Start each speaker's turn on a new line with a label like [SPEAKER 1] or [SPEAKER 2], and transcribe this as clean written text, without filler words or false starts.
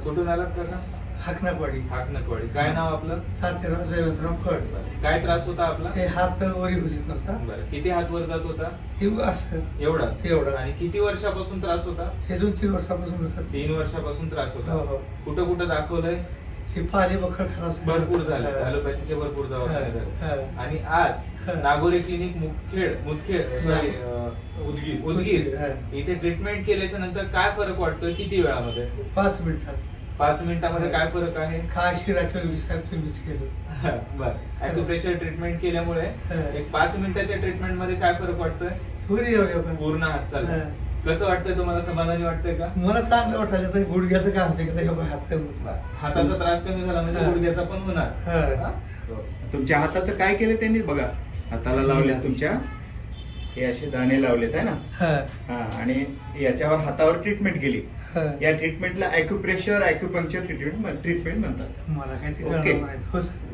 [SPEAKER 1] कुठून आलात काका?
[SPEAKER 2] हाकनापाडी.
[SPEAKER 1] हाकनकवाडी. काय नाव आपलं?
[SPEAKER 2] तात्याराव जयवंतराव फड.
[SPEAKER 1] काय त्रास होता आपला?
[SPEAKER 2] हे हात वरी होतीत नव्हता.
[SPEAKER 1] बरं, किती हात वर जात होता?
[SPEAKER 2] हे असं
[SPEAKER 1] एवढाच.
[SPEAKER 2] एवढा.
[SPEAKER 1] आणि किती वर्षापासून त्रास होता?
[SPEAKER 2] हे 2-3 वर्षापासून होतात.
[SPEAKER 1] 3 वर्षापासून त्रास
[SPEAKER 2] हो
[SPEAKER 1] होता.
[SPEAKER 2] हो.
[SPEAKER 1] कुठं कुठं दाखवलंय?
[SPEAKER 2] ते पाणी बखर खराब झालं.
[SPEAKER 1] भरपूर झाले,
[SPEAKER 2] हा.
[SPEAKER 1] ॲलोपॅथीचे भरपूर दवाखाने झाले.
[SPEAKER 2] हा.
[SPEAKER 1] आणि आज
[SPEAKER 2] हा.
[SPEAKER 1] नागोरे क्लिनिक मुदखेड सॉरी उदगीर
[SPEAKER 2] हा.
[SPEAKER 1] इथे ट्रीटमेंट केल्याच्या नंतर काय फरक वाटतोय? किती वेळामध्ये?
[SPEAKER 2] 5 मिनिटात
[SPEAKER 1] 5 मिनिटामध्ये काय फरक आहे?
[SPEAKER 2] काय शिरा केलं साहेब तुम्हीच केलं.
[SPEAKER 1] बर, ॲक्युप्रेशर ट्रीटमेंट केल्यामुळे
[SPEAKER 2] हा.
[SPEAKER 1] एक 5 मिनिटाच्या ट्रीटमेंट मध्ये काय फरक वाटतोय?
[SPEAKER 2] पुरी एवढे पण
[SPEAKER 1] पूर्ण हात चालला.
[SPEAKER 2] हा.
[SPEAKER 1] कसं वाटतंय तुम्हाला? समाधानी वाटतंय का?
[SPEAKER 2] मला चांगलं वाटायचं तर गुडघ्याचं काय होतं की हे हात
[SPEAKER 1] हाताचा त्रास कमी झाला म्हणजे
[SPEAKER 2] हा.
[SPEAKER 1] गुडघ्याचा पण होणार.
[SPEAKER 2] हा.
[SPEAKER 1] हा?
[SPEAKER 3] तुमच्या हाताचं काय केलं त्यांनी बघा, हाताला लावले तुमच्या हे असे दाणे लावलेत आहे ना.
[SPEAKER 2] हा.
[SPEAKER 3] हा, आणि याच्यावर हातावर ट्रीटमेंट केली.
[SPEAKER 2] हा.
[SPEAKER 3] या ट्रीटमेंटला ॲक्युप्रेशर ॲक्युपंक्चर ट्रीटमेंट म्हणतात.
[SPEAKER 2] मला काय ते
[SPEAKER 3] ओके.
[SPEAKER 2] कळलं नाही. हो सर.